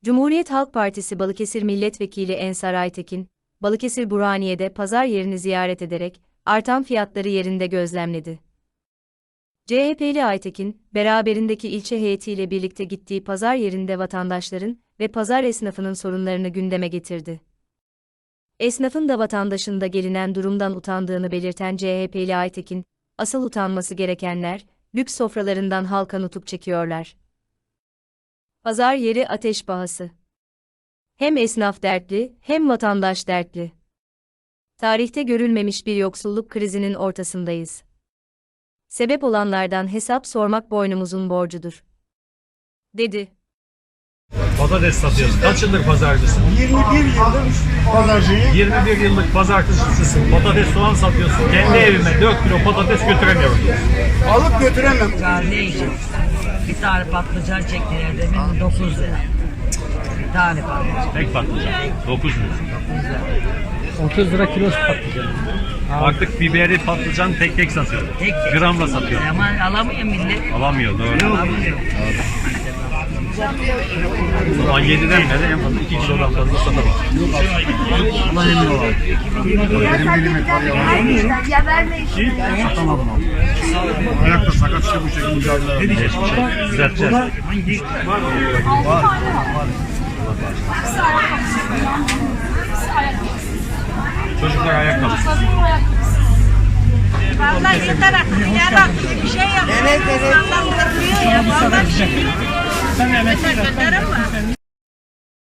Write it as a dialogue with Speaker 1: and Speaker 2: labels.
Speaker 1: Cumhuriyet Halk Partisi Balıkesir Milletvekili Ensar Aytekin, Balıkesir Burhaniye'de pazar yerini ziyaret ederek artan fiyatları yerinde gözlemledi. CHP'li Aytekin, beraberindeki ilçe heyetiyle birlikte gittiği pazar yerinde vatandaşların ve pazar esnafının sorunlarını gündeme getirdi. Esnafın da vatandaşın da gelinen durumdan utandığını belirten CHP'li Aytekin, asıl utanması gerekenler, lüks sofralarından halka nutuk çekiyorlar. Pazar yeri ateş pahası. Hem esnaf dertli, hem vatandaş dertli. Tarihte görülmemiş bir yoksulluk krizinin ortasındayız. Sebep olanlardan hesap sormak boynumuzun borcudur, dedi.
Speaker 2: Patates satıyorsun. Kaç yıllık pazarcısın?
Speaker 3: 21 yıldır pazarcıyım.
Speaker 2: 21 yıllık pazarcısısın. Patates, soğan satıyorsun. Kendi evime 4 kilo patates götüremiyorum.
Speaker 3: Alıp götüremem.
Speaker 4: Ya ne yiyeceğim? Bir tane patlıcan çektiler demin 9 lira. Bir tane patlıcan.
Speaker 2: Tek patlıcan. 9 lira.
Speaker 5: 30 lira kilosu patlıcan.
Speaker 2: Artık biberi patlıcan tek tek satıyor.
Speaker 4: Tek tek.
Speaker 2: Gramla satıyor.
Speaker 4: Ama alamıyor millet.
Speaker 2: Alamıyor doğru.
Speaker 4: Alamıyor.
Speaker 2: O zaman 7'den beri en fazla 2 kilodan fazla satamaz.
Speaker 3: Allah emin olalım. Benim dilime kar yalan.
Speaker 6: Ya verme işini.
Speaker 3: Satamadım abi. Ayakta sakat işte bu şekilde mücadele ediyor.
Speaker 2: Hiçbir şey. Düzelteceğiz. Çocuklar ayakkabı.
Speaker 6: Vallahi yeter artık. Ya bak bir şey yap. Evet evet. Allah ya. Vallahi bir şey. Sen yeter ama.